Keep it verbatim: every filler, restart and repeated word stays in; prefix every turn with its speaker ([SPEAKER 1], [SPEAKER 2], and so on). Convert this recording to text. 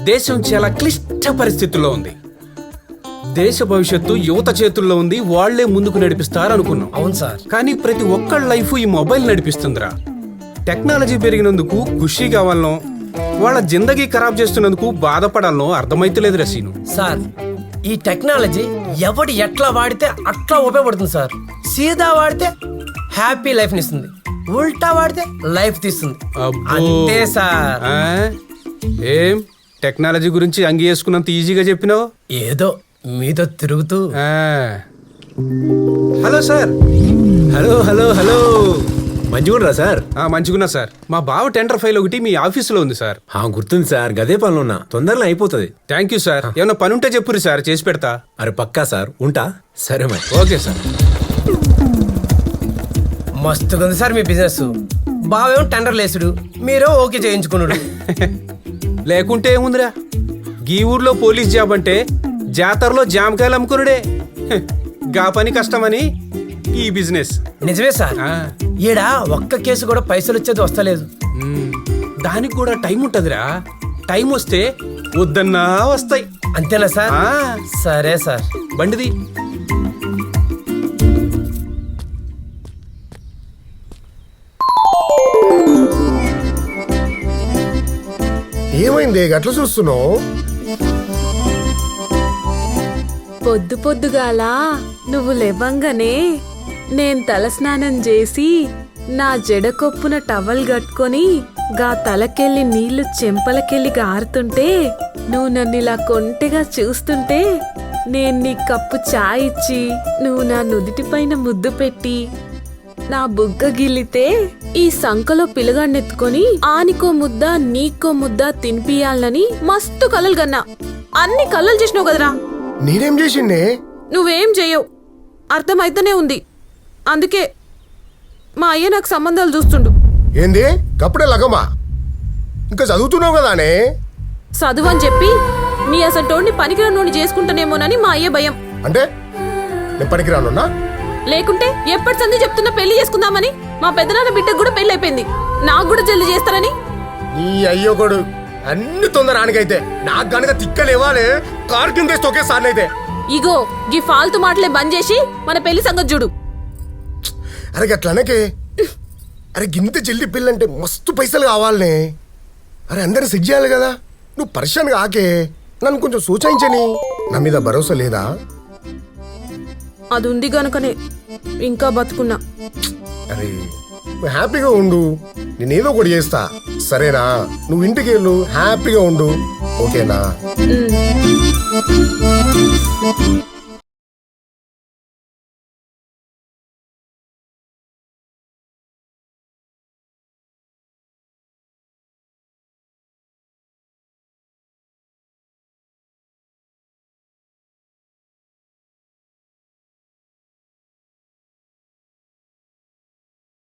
[SPEAKER 1] దేశం చాలా క్లిష్ట పరిస్థితుల్లో ఉంది. దేశ భవిష్యత్తు యువత చేతుల్లో ఉంది, వాళ్లే ముందుకు నడిపిస్తారు అనుకున్నాం.
[SPEAKER 2] అవును సార్.
[SPEAKER 1] కానీ ప్రతి ఒక్కళ్ళ లైఫ్ ఈ మొబైల్ నడిపిస్తుందిరా. టెక్నాలజీ పెరిగినందుకు ఖుషి కావాలనో, వాళ్ళ జిందగీ ఖరాబ్ చేస్తున్నందుకు బాధపడాలనో అర్థమైతలేదు రసీను.
[SPEAKER 2] సార్, ఈ టెక్నాలజీ ఎవడు ఎట్లా వాడితే అట్లా ఉపయోగపడుతుంది సార్. సీదా వాడితే హ్యాపీ లైఫ్ ఇస్తుంది, ఉల్టా వాడితే లైఫ్ తీస్తుంది.
[SPEAKER 1] అబ్బో.
[SPEAKER 2] అంతే సార్.
[SPEAKER 1] ఆ? ఏం టెక్నాలజీ గురించి అంగి వేసుకున్నంత ఈజీగా చెప్పినావు?
[SPEAKER 2] ఏదో మీతో తిరుగుతూ.
[SPEAKER 1] ఆ. Hello sir. Hello hello hello
[SPEAKER 3] మంచిగుండ్రా సార్?
[SPEAKER 1] మంచిగున్నా సార్. మా బావ టెండర్ ఫైల్ ఒకటి మీ ఆఫీసులో ఉంది సార్.
[SPEAKER 3] గుర్తుంది సార్, గదే పనులు ఉన్నా, తొందరలో అయిపోతుంది.
[SPEAKER 1] Thank you sir. ఏమన్నా పని ఉంటే చెప్పురు సార్, చేసి పెడతా.
[SPEAKER 3] అరే పక్కా సార్, ఉంటా. సరే మరి.
[SPEAKER 1] Okay sir.
[SPEAKER 2] మస్తుగా ఉంది సార్ మీ బిజినెస్. బావేమో టెండర్ లేసుడు, మీరో ఓకే చేయించుకున్నాడు.
[SPEAKER 1] లేకుంటే ఏముందిరా, గీ ఊర్లో పోలీస్ జాబ్ అంటే జాతరలో జామకాయలు అమ్ముకునుడే. గా పని కష్టమని ఈ బిజినెస్.
[SPEAKER 2] నిజమే సార్. ఈడ ఒక్క కేసు కూడా పైసలు వచ్చేది వస్తలేదు.
[SPEAKER 1] దానికి కూడా టైం ఉంటదిరా. టైం వస్తే వద్దన్నా వస్తాయి.
[SPEAKER 2] అంతేనా సార్? సరే సార్.
[SPEAKER 1] బండిది.
[SPEAKER 4] ఏమైంది గట్ల చూస్తున్నావు?
[SPEAKER 5] పొద్దు పొద్దుగాల నువ్వు లేవంగానే నేను తలస్నానం చేసి నా జడకొప్పున టవల్ కట్టుకొని గా తలకెళ్ళి నీళ్లు చెంపలకెళ్ళి గారుతుంటే నువ్వు నన్ను ఇలా కొంటెగా చూస్తుంటే నేను నీ కప్పు చాయ్ ఇచ్చి నువ్వు నా నుదిటి పైన ముద్దు పెట్టి నా బుగ్గ గిల్లితే ఈ సంకలో పిలగాన్నెత్తుకొని ఆనికో ముద్ద నీకో ముద్ద తినిపియాలని మస్తు కలలు కన్నా. అన్ని కలలు చేసినావు కదరా.
[SPEAKER 4] నేనేం చేసిండే?
[SPEAKER 5] నువ్వేం చెయ్యవు, అర్థమైతేనే ఉంది. అందుకే మా అయ్య నాకు సంబంధాలు చూస్తుండు.
[SPEAKER 4] ఏంది కప్పుడే లగమా? ఇంకా చదువుతున్నావు కదానే?
[SPEAKER 5] చదువు అని చెప్పి నీ అసలు టోడిని పనికిరానోని చేసుకుంటానేమోనని మా అయ్య భయం.
[SPEAKER 4] అంటే నేను పనికిరానున్నా?
[SPEAKER 5] లేకుంటే ఎప్పటి సంది చెప్తున్నా పెళ్లి చేసుకుందామని. మా పెద్దనాన్న బిడ్డకు కూడా పెళ్లి అయిపోయింది, నాకు కూడా జల్లి చేస్తారని.
[SPEAKER 4] నీ అయ్యోకొడు అన్ని తొందర ఆనికైతే నాకు గనక తిక్కలేవాలే కారు కింద ఒకే సార్లు అయితే.
[SPEAKER 5] ఇగో గీ ఫాల్తు మాటలే బంద్ చేసి మన పెళ్లి సంగతి చూడు.
[SPEAKER 4] అరే గట్లనకే. అరే గింత జల్ది పిల్లంటే మస్తు పైసలు కావాలనే. అరే అందరిని సెట్ చేయాలి కదా. నువ్వు పరిశాన్ కాకే, నన్ను కొంచెం సూచించని. నా మీద భరోసా లేదా?
[SPEAKER 5] అది ఉంది గనుకనే ఇంకా బతుకున్నా.
[SPEAKER 4] అరే నువ్వు హ్యాపీగా ఉండు, నేనేదో ఒకటి చేస్తా సరేనా? నువ్వు ఇంటికి వెళ్ళు, హ్యాపీగా ఉండు, ఓకేనా?
[SPEAKER 5] ఉమ్.